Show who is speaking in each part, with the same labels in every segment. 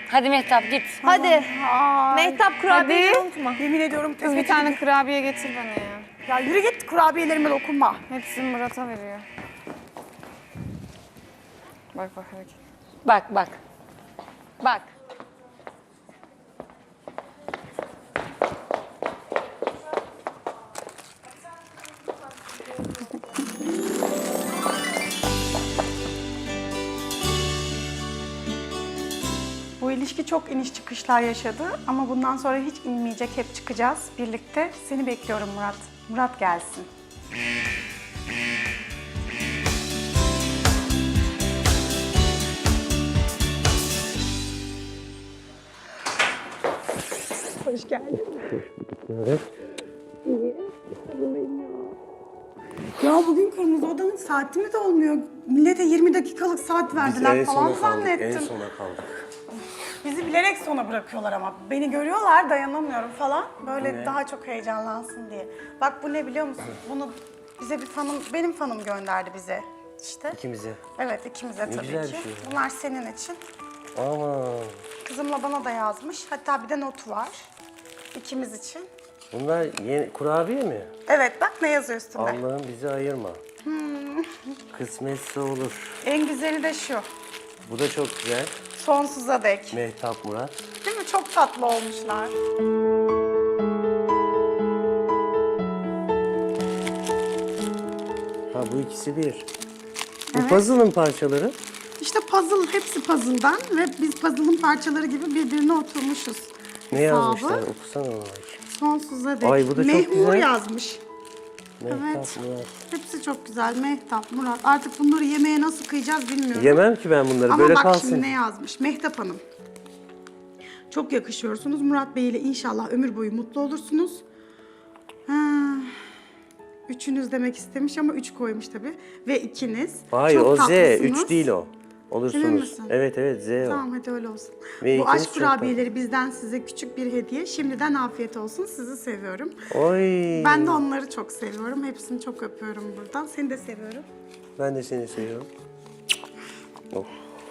Speaker 1: Hadi Mehtap git.
Speaker 2: Hadi. Mehtap kurabiyeyi unutma.
Speaker 3: Yemin ediyorum
Speaker 4: Kız bir tane kurabiye getir bana ya.
Speaker 3: Ya yürü git, kurabiyelerime dokunma.
Speaker 4: Hepsini Murat'a veriyor. Bak bak hareket.
Speaker 1: Bak bak. Bak.
Speaker 3: Bu ilişki çok iniş çıkışlar yaşadı ama bundan sonra hiç inmeyecek, hep çıkacağız birlikte. Seni bekliyorum Murat. Murat gelsin. Hoş geldin.
Speaker 5: Evet.
Speaker 3: Ya bugün Kırmızı Oda'nın saati mi de olmuyor? Millete 20 dakikalık saat verdiler falan zannettim.
Speaker 5: En sona kaldık.
Speaker 3: Bizi bilerek sona bırakıyorlar ama. Beni görüyorlar, dayanamıyorum falan. Böyle daha çok heyecanlansın diye. Bak bu ne biliyor musun? Bunu bize bir fanım, benim fanım gönderdi bize. İşte.
Speaker 5: İkimize.
Speaker 3: Evet, ikimize tabii
Speaker 5: güzel
Speaker 3: ki.
Speaker 5: bir şey ya.
Speaker 3: Bunlar senin için.
Speaker 5: Aman.
Speaker 3: Kızımla bana da yazmış. Hatta bir de notu var. İkimiz için.
Speaker 5: Bunlar yeni kurabiye mi?
Speaker 3: Evet, bak ne yazıyor üstünde.
Speaker 5: Allah'ım bizi ayırma. Kısmetse olur.
Speaker 3: En güzeli de şu.
Speaker 5: Bu da çok güzel.
Speaker 3: Sonsuza dek.
Speaker 5: Mehtap Murat.
Speaker 3: Değil mi? Çok tatlı olmuşlar.
Speaker 5: Ha bu ikisi bir. Bu puzzle'ın parçaları.
Speaker 3: İşte puzzle, hepsi puzzle'dan ve biz puzzle'ın parçaları gibi birbirine oturmuşuz.
Speaker 5: Ne
Speaker 3: Hesabı.
Speaker 5: yazmışlar? Okusana onu.
Speaker 3: Sonsuza dek.
Speaker 5: Ay, bu da çok
Speaker 3: Mehmur
Speaker 5: güzel.
Speaker 3: yazmış.
Speaker 5: Mehtap
Speaker 3: Evet.
Speaker 5: Murat.
Speaker 3: Hepsi çok güzel. Mehtap, Murat. Artık bunları yemeğe nasıl kıyacağız bilmiyorum.
Speaker 5: Yemem ki ben bunları.
Speaker 3: Ama
Speaker 5: Böyle
Speaker 3: bak
Speaker 5: kalsın.
Speaker 3: şimdi ne yazmış. Mehtap Hanım. Çok yakışıyorsunuz. Murat Bey ile inşallah ömür boyu mutlu olursunuz. Ha, üçünüz demek istemiş ama üç koymuş tabii. Ve ikiniz.
Speaker 5: Hayır
Speaker 3: çok
Speaker 5: o Z.
Speaker 3: tatlısınız.
Speaker 5: 3 değil o. Olursunuz.
Speaker 3: Emin misin?
Speaker 5: Evet evet Z o.
Speaker 3: Tamam hadi öyle olsun.
Speaker 5: Ve
Speaker 3: Bu
Speaker 5: ikiniz
Speaker 3: aşk
Speaker 5: çok
Speaker 3: kurabiyeleri bizden size küçük bir hediye. Şimdiden afiyet olsun. Sizi seviyorum.
Speaker 5: Oy.
Speaker 3: Ben de onları çok seviyorum. Hepsini çok öpüyorum buradan. Seni de seviyorum.
Speaker 5: Ben de seni seviyorum. Oh.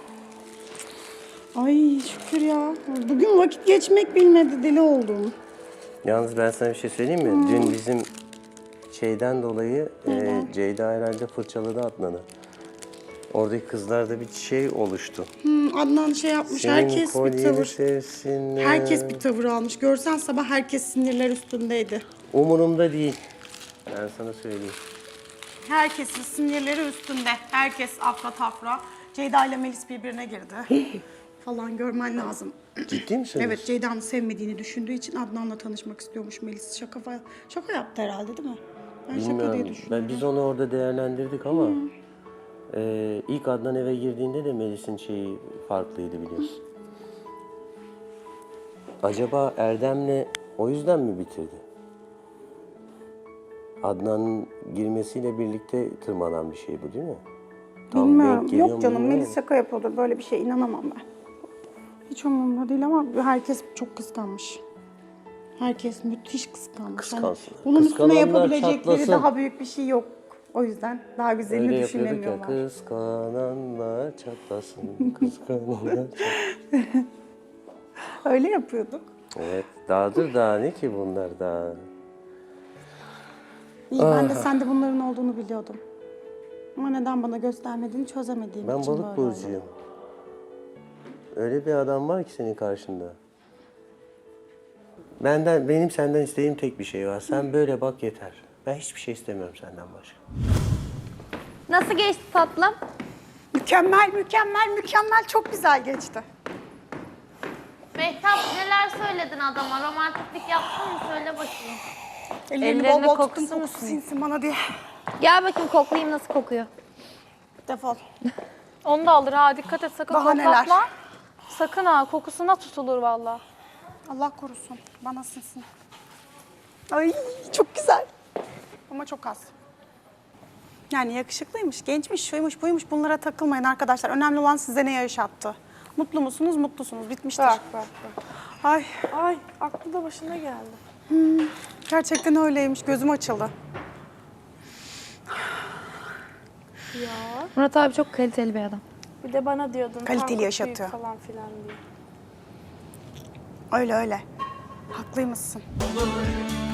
Speaker 3: Ay şükür ya. Bugün vakit geçmek bilmedi. Deli oldum.
Speaker 5: Yalnız ben sana bir şey söyleyeyim mi? Dün bizim şeyden dolayı Ceyda herhalde fırçaladı Adnan'ı. Oradaki kızlarda bir şey oluştu.
Speaker 3: Adnan şey yapmış.
Speaker 5: Senin
Speaker 3: Herkes bir
Speaker 5: kolyeni
Speaker 3: tavır.
Speaker 5: sevsinler.
Speaker 3: Herkes bir tavır almış. Görsen sabah herkes sinirler üstündeydi.
Speaker 5: Umurumda değil. Ben sana söyleyeyim.
Speaker 3: Herkesin sinirleri üstünde. Herkes afra tafra. Ceyda ile Melis birbirine girdi. falan görmen lazım.
Speaker 5: Ciddi misiniz?
Speaker 3: Evet, Ceyda'nın sevmediğini düşündüğü için Adnan'la tanışmak istiyormuş Melis. Şaka yaptı herhalde değil mi? Ben şaka diye
Speaker 5: Bilmiyorum.
Speaker 3: düşünüyorum.
Speaker 5: Biz onu orada değerlendirdik ama ilk Adnan eve girdiğinde de Melis'in şeyi farklıydı biliyorsun. Acaba Erdem'le o yüzden mi bitirdi? Adnan'ın girmesiyle birlikte tırmanan bir şey bu değil mi? Tam denk
Speaker 3: Bilmiyorum.
Speaker 5: geliyor
Speaker 3: Yok
Speaker 5: mu
Speaker 3: canım,
Speaker 5: bilmiyorum.
Speaker 3: Melis şaka yapıyordur. Böyle bir şey inanamam ben. Hiç umurumda değil ama herkes çok kıskanmış. Herkes müthiş kıskanmış. Hani
Speaker 5: Kıskansın.
Speaker 3: bunun üstüne
Speaker 5: Kıskananlar
Speaker 3: yapabilecekleri
Speaker 5: çatlasın.
Speaker 3: daha büyük bir şey yok. O yüzden daha güzelini
Speaker 5: Öyle yapıyorduk ya,
Speaker 3: düşünemiyorlar.
Speaker 5: kıskananlar çatlasın, kıskananlar çatlasın.
Speaker 3: Öyle yapıyorduk.
Speaker 5: Evet, daha ne ki bunlar daha?
Speaker 3: İyi, ben de sende bunların olduğunu biliyordum. Ama neden bana göstermediğini çözemediğim
Speaker 5: Ben
Speaker 3: için
Speaker 5: balık
Speaker 3: böyle oldu.
Speaker 5: burcuyum. Öyle bir adam var ki senin karşında. Benim senden istediğim tek bir şey var. Sen böyle bak yeter. Ben hiçbir şey istemiyorum senden başka.
Speaker 2: Nasıl geçti tatlım?
Speaker 3: Mükemmel, mükemmel, mükemmel. Çok güzel geçti.
Speaker 6: Mehtap neler söyledin adama? Romantiklik yaptın mı? Söyle bakayım.
Speaker 3: Ellerini
Speaker 4: Ellerine
Speaker 3: bol bol
Speaker 4: kokusu
Speaker 3: tuttum, kokusu sinsin bana diye.
Speaker 2: Gel bakayım koklayayım nasıl kokuyor.
Speaker 3: Defol.
Speaker 4: Onu da alır ha, dikkat et sakın
Speaker 3: Bahaneler.
Speaker 4: koklatma. Sakın ha, kokusuna tutulur valla.
Speaker 3: Allah korusun. Bana sinsin. Ay çok güzel. Ama çok az. Yani yakışıklıymış, gençmiş, şuymuş, buymuş. Bunlara takılmayın arkadaşlar. Önemli olan size ne yaşattı. Mutlu musunuz, mutlusunuz. Bitmiştir.
Speaker 4: Bak.
Speaker 3: Ay
Speaker 4: Ay, aklı da başına geldi.
Speaker 3: gerçekten öyleymiş. Gözüm açıldı.
Speaker 2: Murat abi çok kaliteli bir adam.
Speaker 4: Bir de bana diyordun.
Speaker 3: Kaliteli
Speaker 4: Tankut
Speaker 3: yaşatıyor.
Speaker 4: büyük falan filan diye.
Speaker 3: Öyle öyle. Haklıymışsın.